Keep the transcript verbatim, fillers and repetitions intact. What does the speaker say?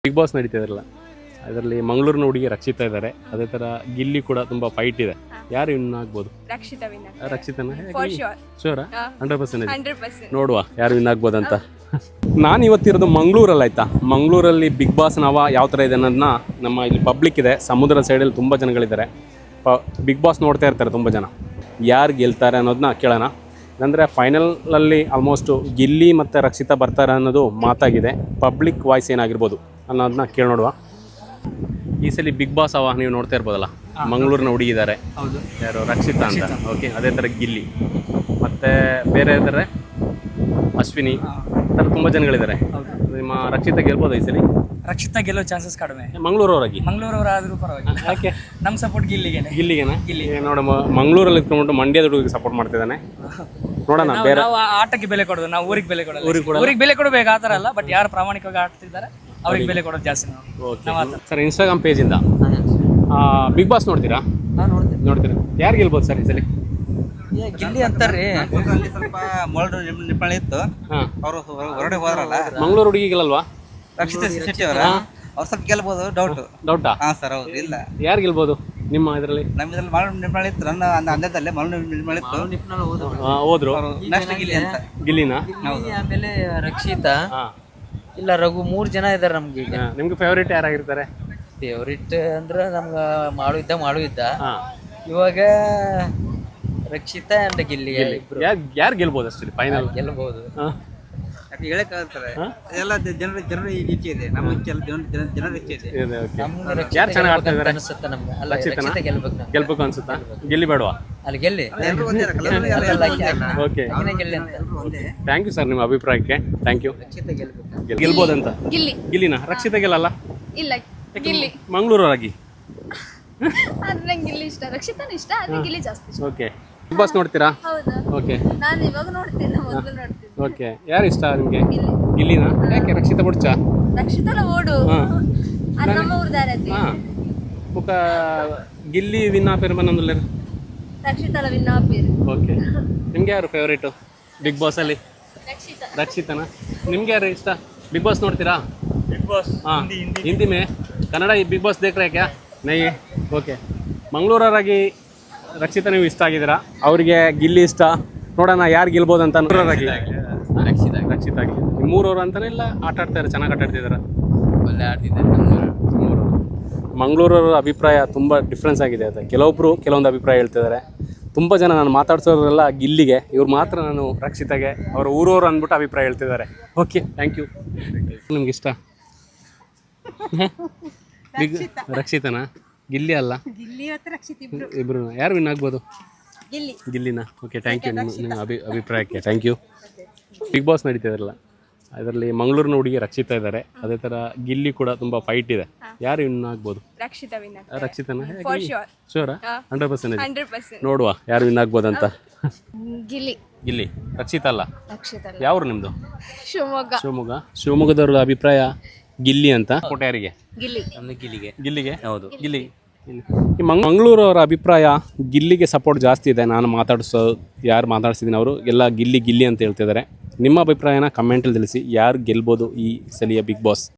Big Boss ನಡೀತಿದಾರಲ್ಲ ಅದರಲ್ಲಿ ಮಂಗಳೂರಿನ ಹುಡುಗಿ ರಕ್ಷಿತಾ ಇದ್ದಾರೆ. ಅದೇ ತರ ಗಿಲ್ಲಿ ಕೂಡ ತುಂಬಾ ಫೈಟ್ ಇದೆ. ಯಾರು ವಿನ್ ಆಗ್ಬೋದು? ರಕ್ಷಿತಾ ವಿನ್ ಆಗ್ತಾರೆ. ರಕ್ಷಿತಾನ ಫಾರ್ ಶ್ಯೂರ್. ಶೂರಾ? Hundred percent hundred percent. ನೋಡುವ ಯಾರು ವಿನ್ ಆಗ್ಬೋದಂತ. ನಾನು ಇವತ್ತಿರೋದು ಮಂಗಳೂರಲ್ಲಿ ಆಯ್ತಾ. ಮಂಗಳೂರಲ್ಲಿ ಬಿಗ್ ಬಾಸ್ ನವ ಯಾವ ಥರ ಇದೆ ಅನ್ನೋದನ್ನ ನಮ್ಮ ಇಲ್ಲಿ ಪಬ್ಲಿಕ್ ಇದೆ, ಸಮುದ್ರ ಸೈಡಲ್ಲಿ ತುಂಬ ಜನಗಳಿದ್ದಾರೆ. ಪ ಬಿಗ್ ಬಾಸ್ ನೋಡ್ತಾ ಇರ್ತಾರೆ ತುಂಬ ಜನ. ಯಾರು ಗೆಲ್ತಾರೆ ಅನ್ನೋದನ್ನ ಕೇಳೋಣ. ಅಂದರೆ ಫೈನಲಲ್ಲಿ ಆಲ್ಮೋಸ್ಟು ಗಿಲ್ಲಿ ಮತ್ತು ರಕ್ಷಿತಾ ಬರ್ತಾರೆ ಅನ್ನೋದು ಮಾತಾಗಿದೆ. ಪಬ್ಲಿಕ್ ವಾಯ್ಸ್ ಏನಾಗಿರ್ಬೋದು ಅನ್ನೋದನ್ನ ಕೇಳಿ ನೋಡುವ. ಈ ಸಲ ಬಿಗ್ ಬಾಸ್ ಅವ ನೀವು ನೋಡ್ತಾ ಇರ್ಬೋದಲ್ಲ, ಮಂಗಳೂರಿನ ಹುಡುಗಿದ್ದಾರೆ ಯಾರು ರಕ್ಷಿತಾ ಅಂತ. ಓಕೆ, ಅದೇ ಥರ ಗಿಲ್ಲಿ ಮತ್ತು ಬೇರೆ ಇದ್ದಾರೆ ಅಶ್ವಿನಿ, ಈ ಥರ ತುಂಬ ಜನಗಳಿದ್ದಾರೆ. ನಿಮ್ಮ ರಕ್ಷಿತಾ ಗೆಲ್ಬೋದು ಈ ಸಲ? ರಕ್ಷಿತಾ ಗೆಲ್ಲೋ ಚಾನ್ಸಸ್ ಕಡಿಮೆ. ಮಂಗಳೂರವರಾಗಿ ಮಂಗಳೂರವರಾದ್ರೂ ಪರವಾಗಿಲ್ಲ. ಯಾಕೆ ನಮ್ಮ ಸಪೋರ್ಟ್ ಗಿಲ್ಲಿಗೆ. ಗಿಲ್ಲಿಗೆನಾ? ಗಿಲ್ಲಿ ನೋಡ, ಮಂಗಳೂರಲ್ಲಿ ಇಟ್ಕೊಂಡ್ಬಿಟ್ಟು ಮಂಡ್ಯದ ಹುಡುಗಿಗೆ ಸಪೋರ್ಟ್ ಮಾಡ್ತಿದ್ದಾನೆ. ನೋಡೋಣ. ಬೇರೆ ನಾವು ಆಟಕ್ಕೆ ಬೆಲೆ ಕೊಡೋದು, ನಾವು ಊರಿಗೆ ಬೆಲೆ ಕೊಡೋದು. ಊರಿಗೆ ಬೆಲೆ ಕೊಡಬೇಕು ಆ ಥರ ಅಲ್ಲ, ಬಟ್ ಯಾರು ಪ್ರಾಮಾಣಿಕವಾಗಿ ಆಡ್ತಿದ್ದಾರೆ ಅವ್ರಿಗೆ ಬೆಲೆ ಕೊಡೋದು ಜಾಸ್ತಿ. ನಾವು ಸರ್ ಇನ್ಸ್ಟಾಗ್ರಾಮ್ ಪೇಜಿಂದ ಬಿಗ್ ಬಾಸ್ ನೋಡ್ತೀರಾ? ನೋಡ್ತೀರಾ? ಯಾರು ಗೆಲ್ಬೋದು ಸರ್ ಈ ಸಲ? ಗಿಲ್ಲಿ ಅಂತಾರ್ರಿ. ಸ್ವಲ್ಪ ಮೊಳಡು ನಿಪ್ಪಳಿ ಇತ್ತು, ಅವರು ಹೊರಗಡೆ ಹೋದ್ರಲ್ಲ. ಮಂಗಳೂರು ಹುಡುಗಿಗಳಲ್ವಾ ರಕ್ಷಿತಾ ಶೆಟ್ಟಿ ಅವರ ಅವ್ರು ಸ್ವಲ್ಪ ಗೆಲ್ಬೋದು. ಡೌಟ್ ಡೌಟಾ? ಹಾ ಸರ್, ಹೌದು. ಇಲ್ಲ, ಯಾರು ಗೆಲ್ಬೋದು ನಿಮ್ಮ ಇದರಲ್ಲಿ? ನಮ್ಮದ್ರಲ್ಲಿ ಮರಳು ನಿಪ್ಪಳಿ ಇತ್ತು, ನನ್ನ ಅಂದದಲ್ಲೇ ಮರಳು ನಿಪ್ಪಳಿ ಇತ್ತು. ಹೋದ್ರು ನೆಕ್ಸ್ಟ್ ಗಿಲ್ಲಿ ಅಂತ. ಗಿಲ್ಲಿನಾ? ಆಮೇಲೆ ರಕ್ಷಿತಾ ಇಲ್ಲ ರಘು, ಮೂರ್ ಜನ ಇದಾರೆ ನಮ್ಗೆ. ಈಗ ನಿಮ್ಗೆ ಫೇವರೇಟ್ ಯಾರಾಗಿರ್ತಾರೆ? ಫೇವ್ರೇಟ್ ಅಂದ್ರೆ ನಮ್ಗ ಮಾಡು ಇದ್ದ ಮಾಡು ಇದ್ದ ಹಾ, ಇವಾಗ ರಕ್ಷಿತಾ ಅಂಡ್ ಗಿಲ್ಲಿ ಇಬ್ರು ಯಾರು ಯಾರು ಗೆಲ್ಬೋದು ಅಷ್ಟೇ ಫೈನಲ್? ಗೆಲ್ಲಬಹುದು. ಯಾಕೆ ಹೇಳಕ್ ಆಗ್ತಾರೆ, ಎಲ್ಲ ಜನರ ಜನರ ಇಚ್ಛೆ ಇದೆ, ನಮ್ಮ ಇಚ್ಛೆ ಅಲ್ಲ, ಜನ ಜನ- ಜನರ ಇಚ್ಛೆ ಇದೆ. ನಮ್ಗೆ ರಕ್ಷಿತಾ ಯಾರು ಚೆನ್ನಾಗಿ ಆಡ್ತಾ ಗೆಲ್ಬೇಕಂತ ಇದಾರೆ? ಅನ್ಸುತ್ತೆ ನಮ್ಗೆ. ಅಲ್ಲ, ರಕ್ಷಿತಾನ? ರಕ್ಷಿತಾ ಗೆಲ್ಬೇಕು ನಾವು. ಗೆಲ್ಬೇಕು ಅನ್ಸುತ್ತಾ? ಗೆಲ್ಲಿ ಬೇಡವಾ? ಅಲ್ಲಿ ಗೆಲ್ಲಿ ಎಲ್ರು ಒಂದೇ ಇರಲ್ಲ, ಎಲ್ಲರೂ ಎಲ್ಲ- ಎಲ್ಲ ಒಂದೇ ಅಲ್ಲ. ಓಕೆ, ಆಕಿನೇ ಗೆಲ್ಲಿ ಅಂತ. ಎಲ್ರು ಒಂದೇ. ಥ್ಯಾಂಕ್ ಯು ಸರ್ ನಿಮ್ಮ ಅಭಿಪ್ರಾಯಕ್ಕೆ. Thank you. ರಕ್ಷಿತಾ ಗೆಲ್ಬೇಕು. ಗೆಲ್ಬೋದಂತ? ಗಿಲ್ಲಿ ಗಿಲ್ಲಿನ? ರಕ್ಷಿತಾ ಗೆಲ್ಲಲ್ಲ? ಇಲ್ಲ, ಗಿಲ್ಲಿ. ಮಂಗಳೂರವರಾಗಿ. ಆದ್ರೆ ನಂಗೆ ಗಿಲ್ಲಿ ಇಷ್ಟ, ರಕ್ಷಿತಾನು ಇಷ್ಟ, ಆದ್ರೆ ಗಿಲ್ಲಿ ಜಾಸ್ತಿ ಇಷ್ಟ. ಓಕೆ, ಬಿಗ್ ಬಾಸ್ ನೋಡ್ತೀರಾ? ಹೌದಾ? ಓಕೆ ನಾನು ಇವಾಗ ನೋಡ್ತೀನಿ, ಮೊದಲು ನೋಡ್ತೀನಿ. ಓಕೆ, ಯಾರು ಇಷ್ಟ ನಿಮಗೆ? ಗಿಲ್ಲಿ. ಗಿಲ್ಲಿನ? ಯಾಕೆ ರಕ್ಷಿತಾ ಬಿಡ್ಚ? ರಕ್ಷಿತಲ ಓಡು. ಹಾ. ಅದು ನಮ್ಮ ಊರ್ದಾರತಿ. ಹಾಂ, ಬುಕ್ಕ ಗಿಲ್ಲಿ ವಿನ್ ಆಪೇರು ಬಂದೊಂದುಲ್ಲ. ರಕ್ಷಿತಲ ವಿನ್ ಆಪೇರು. ಓಕೆ, ನಿಮ್ಗೆ ಯಾರು ಫೇವರೇಟು ಬಿಗ್ ಬಾಸಲ್ಲಿ? ರಕ್ಷಿತಾ. ರಕ್ಷಿತನ? ನಿಮ್ಗೆ ಯಾರು ಇಷ್ಟ? ಬಿಗ್ ಬಾಸ್ ನೋಡ್ತೀರಾ? ಬಿಗ್ ಬಾಸ್ ಹಾಂ, ಹಿಂದಿ ಮೇ ಕನ್ನಡ ಬಿಗ್ ಬಾಸ್ ದೇಖ್ರೆ ಕ್ಯಾ? ನೈ. ಓಕೆ, ಮಂಗಳೂರವರಾಗಿ ರಕ್ಷಿತಾ ನೀವು ಇಷ್ಟ ಆಗಿದ್ದೀರಾ, ಅವರಿಗೆ ಗಿಲ್ಲಿ ಇಷ್ಟ. ನೋಡೋಣ ಯಾರು ಗೆಲ್ಬೋದು ಅಂತ. ಮಂಗಳೂರವರಾಗಿ ರಕ್ಷಿತಾ ರಕ್ಷಿತಾ ಗಿಲ್ಲಿ. ನಿಮ್ಮೂರವ್ರು ಅಂತಾನೆ ಇಲ್ಲ ಆಟ ಆಡ್ತಾರೆ, ಚೆನ್ನಾಗಿ ಆಟ ಆಡ್ತಿದ್ದಾರೆ. ಒಳ್ಳೆ ಆಡ್ತಿದ್ದಾರೆ. ಮಂಗಳೂರವರ ಅಭಿಪ್ರಾಯ ತುಂಬ ಡಿಫ್ರೆನ್ಸ್ ಆಗಿದೆ. ಅದು ಕೆಲವೊಬ್ಬರು ಕೆಲವೊಂದು ಅಭಿಪ್ರಾಯ ಹೇಳ್ತಿದ್ದಾರೆ. ತುಂಬ ಜನ ನಾನು ಮಾತಾಡ್ಸೋರೆಲ್ಲ ಗಿಲ್ಲಿಗೆ, ಇವ್ರು ಮಾತ್ರ ನಾನು ರಕ್ಷಿತಾಗೆ, ಅವ್ರ ಊರವರು ಅಂದ್ಬಿಟ್ಟು ಅಭಿಪ್ರಾಯ ಹೇಳ್ತಿದ್ದಾರೆ. Okay, thank you. ನಿಮ್ಗೆ ಇಷ್ಟ ಬಿಗ್ ರಕ್ಷಿತನ? ಗಿಲ್ಲಿ ಅಲ್ಲ, ಗಿಲ್ಲಿ ಮತ್ತು ರಕ್ಷಿತ್ ಇಬ್ರು. ಇಬ್ರು ಯಾರು ವಿನ್ ಆಗ್ಬೋದು? ಗಿಲ್ಲಿ. ಗಿಲ್ಲಿನ? ಓಕೆ, ಥ್ಯಾಂಕ್ ಯು ನಿಮ್ಮ ನಿಮ್ಮ ಅಭಿ ಅಭಿಪ್ರಾಯಕ್ಕೆ. Thank you. ಬಿಗ್ ಬಾಸ್ ನಡೀತಿದಾರಲ್ಲ ಅದರಲ್ಲಿ ಮಂಗಳೂರಿನ ಹುಡುಗಿ ರಕ್ಷಿತಾ ಇದ್ದಾರೆ. ಅದೇ ಥರ ಗಿಲ್ಲಿ ಕೂಡ ತುಂಬ ಫೈಟ್ ಇದೆ. ಯಾರು ವಿನ್ ಆಗ್ಬೋದು? ರಕ್ಷಿತಾ ವಿನ್ ಆಗ್ತಾರೆ. ರಕ್ಷಿತನ? For sure. ಶೂರಾ? Hundred percent. Hundred percent. ನೋಡುವ ಯಾರು ವಿನ್ ಆಗ್ಬೋದಂತ. ಗಿಲ್ಲಿ. ಗಿಲ್ಲಿ. ರಕ್ಷಿತಾ ಅಲ್ಲ? ರಕ್ಷಿತಾ. ಯಾವ್ರು ನಿಮ್ಮದು? ಶಿವಮೊಗ್ಗ. ಶಿವಮೊಗ್ಗ. ಶಿವಮೊಗ್ಗದವ್ರ ಅಭಿಪ್ರಾಯ ಗಿಲ್ಲಿ ಅಂತ. ಕೋಟೆ ಯಾರಿಗೆ? ಗಿಲ್ಲಿ. ನಮ್ದು ಗಿಲ್ಲಿಗೆ. ಗಿಲ್ಲಿಗೆ? ಹೌದು, ಗಿಲ್ಲಿ. ಈ ಮಂಗ್ ಮಂಗಳೂರವರ ಅಭಿಪ್ರಾಯ ಗಿಲ್ಲಿಗೆ ಸಪೋರ್ಟ್ ಜಾಸ್ತಿ ಇದೆ. ನಾನು ಮಾತಾಡಿಸೋ ಯಾರು ಮಾತಾಡ್ಸಿದ್ದೀನಿ ಅವರು ಎಲ್ಲ ಗಿಲ್ಲಿ ಗಿಲ್ಲಿ ಅಂತ ಹೇಳ್ತಿದ್ದಾರೆ. ನಿಮ್ಮ ಅಭಿಪ್ರಾಯನ ಕಮೆಂಟಲ್ಲಿ ತಿಳಿಸಿ. ಯಾರು ಗೆಲ್ಬೋದು ಈ ಸಲಿಯ ಬಿಗ್ ಬಾಸ್?